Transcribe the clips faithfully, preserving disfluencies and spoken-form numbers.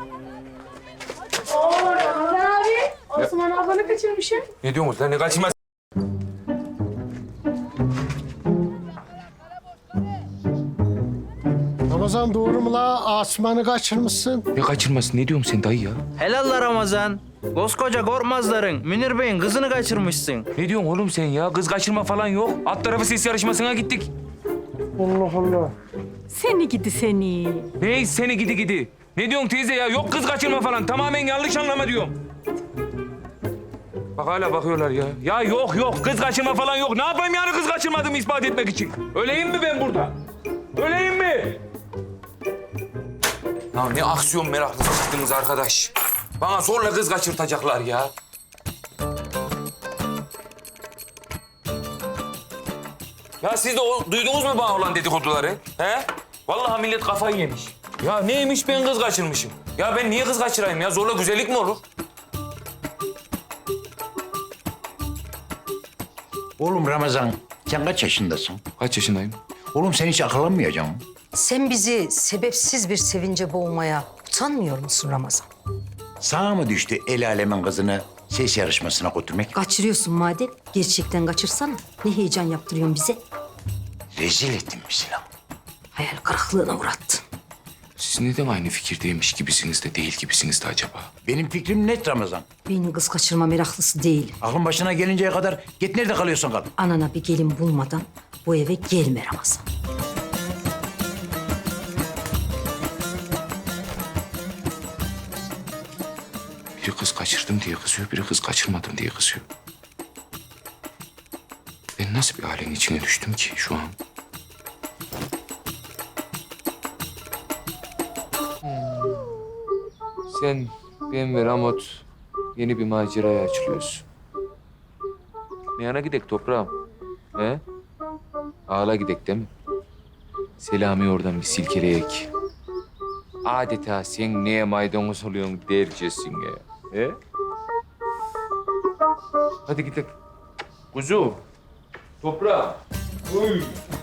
Oo Ramazan abi. Osman ablanı kaçırmışım. Ne diyorsunuz lan? Ne kaçırmaz? Ramazan doğru mu la? Asmanı kaçırmışsın. Ne kaçırması? Ne diyorsun sen dayı ya? Helal la Ramazan. Koskoca Korkmazların Münir Bey'in kızını kaçırmışsın. Ne diyorsun oğlum sen ya? Kız kaçırma falan yok. Alt tarafı ses yarışmasına gittik. Allah Allah. Seni gidi seni. Ne seni gidi gidi? Ne diyorsun teyze ya? Yok kız kaçırma falan. Tamamen yanlış anlama diyorum. Bak hala bakıyorlar ya. Ya yok yok kız kaçırma falan yok. Ne yapayım yani kız kaçırmadığımı ispat etmek için? Öleyim mi ben burada? Öleyim mi? Ya ne aksiyon meraklısı çıktınız arkadaş. Bana zorla kız kaçırtacaklar ya. Ya siz de o, duydunuz mu bana olan dedikoduları? He? Vallahi millet kafayı yemiş. Ya neymiş ben kız kaçırmışım. Ya ben niye kız kaçırayım ya? Zorla güzellik mi olur? Oğlum Ramazan, sen kaç yaşındasın? Kaç yaşındayım? Oğlum sen hiç akıllanmayacaksın mı? Sen bizi sebepsiz bir sevince boğmaya utanmıyor musun Ramazan? Sana mı düştü el alemin kızını ses yarışmasına götürmek? Kaçırıyorsun madem. Gerçekten kaçırsana. Ne heyecan yaptırıyorsun bize? Rezil ettin bizi lan. Hayal kırıklığına uğrattın. Siz neden aynı fikirdeymiş gibisiniz de değil gibisiniz de acaba? Benim fikrim net Ramazan. Ben kız kaçırma meraklısı değilim. Aklın başına gelinceye kadar git nerede kalıyorsun kal. Anana bir gelin bulmadan bu eve gelme Ramazan. Biri kız kaçırdım diye kızıyor, biri kız kaçırmadım diye kızıyor. Ben nasıl bir ailenin içine düştüm ki şu an? Sen, ben ve Ramot yeni bir maceraya açılıyoruz. Ne yana gidek toprağım? He? Ağla gidek değil mi? Selami oradan bir silkeleyek. Adeta sen neye maydanoz oluyorsun dercesine. He? Hadi gidelim. Kuzu. Toprağım. Uy.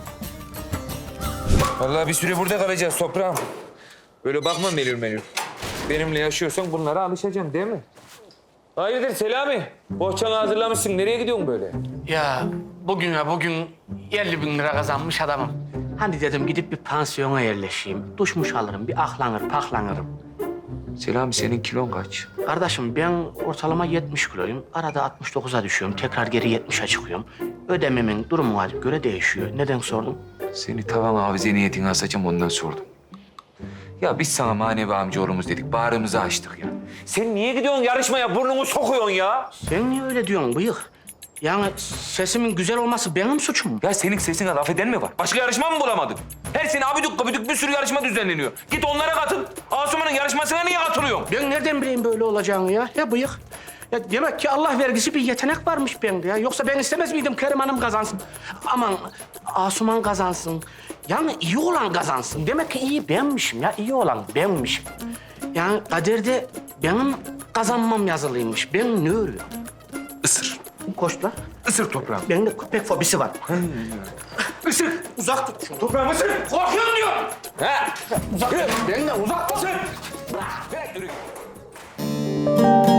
Vallahi bir süre burada kalacağız toprağım. Böyle bakma melül melül. Benimle yaşıyorsan bunlara alışacaksın değil mi? Hayırdır Selami? Bohçanı hazırlamışsın. Nereye gidiyorsun böyle? Ya bugüne bugün elli bin lira kazanmış adamım. Hani dedim gidip bir pansiyona yerleşeyim. Duşmuş alırım, bir ahlanır, paklanırım. Selami senin kilon kaç? Kardeşim ben ortalama yetmiş kiloyum. Arada altmış dokuza düşüyorum. Tekrar geri yetmişe çıkıyorum. Ödememin durumuna göre değişiyor. Neden sordun? Seni tavan hafize niyetine asacağım ondan sordum. Ya biz sana manevi amcaoğlumuz dedik. Bağrımızı açtık ya. Sen niye gidiyorsun yarışmaya? Burnunu sokuyorsun ya. Sen niye öyle diyorsun bıyık? Yani sesimin güzel olması benim suçum. Ya senin sesine laf eden mi var? Başka yarışma mı bulamadın? Her sene abidük kabidük bir sürü yarışma düzenleniyor. Git onlara katıl. Asuman'ın yarışmasına niye katılıyorsun? Ben nereden bileyim böyle olacağını ya? Ya bıyık. Ya demek ki Allah vergisi bir yetenek varmış bende ya. Yoksa ben istemez miydim Kerim Hanım kazansın? Aman Asuman kazansın. Yani iyi olan kazansın. Demek ki iyi benmişim ya. İyi olan benmişim. Yani kaderde benim kazanmam yazılıymış. Ben ne örüyorum? Isır. Koş lan. Isır toprağım. Bende köpek fobisi var. Isır. Uzak tut şunu. Toprağım ısır. Korkuyorum diyor. He. Uzak tut. Benden uzak tut. Bırak, yürü.